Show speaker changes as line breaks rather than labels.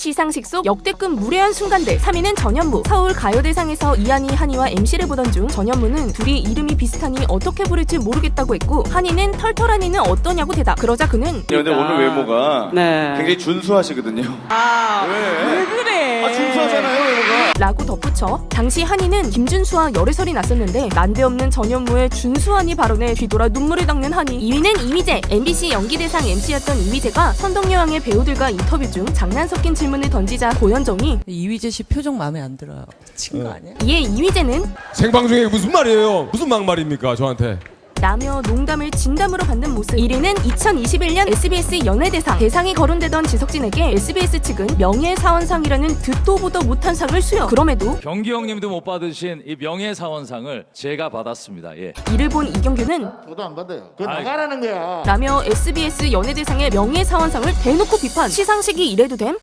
시상식 속 역대급 무례한 순간들. 3위는 전현무. 서울 가요대상에서 이한이 한이와 MC를 보던 중 전현무는 둘이 이름이 비슷하니 어떻게 부를지 모르겠다고 했고, 한이는 털털한 이는 어떠냐고 대답. 그러자 그는
근데 오늘 외모가 굉장히 준수하시거든요.
왜 그래?
준수하잖아요, 외모가.
라고 덧붙여 당시 한이는 김준수와 열애설이 났었는데 난데없는 전현무의 준수한이 발언에 뒤돌아 눈물을 닦는 한이. 2위는 이휘재. MBC 연기대상 MC였던 이휘재가 선덕여왕의 배우들과 인터뷰 중 장난 섞인 질문을 던지자 고현정이
이휘재 씨 표정 마음에 안 들어요. 미친 거 아니야?
이에 이휘재는
생방송에 무슨 말이에요? 무슨 막말입니까 저한테?
라며 농담을 진담으로 받는 모습. 1위는 2021년 SBS 연예대상. 대상이 거론되던 지석진에게 SBS 측은 명예사원상이라는 듣도 보도 못한 상을 수여. 그럼에도
경기 형님도 못 받으신 이 명예사원상을 제가 받았습니다. 예.
이를 본 이경규는
저도 안 받아요. 그거 나가라는 거야.
라며 SBS 연예대상의 명예사원상을 대놓고 비판. 시상식이 이래도 됨?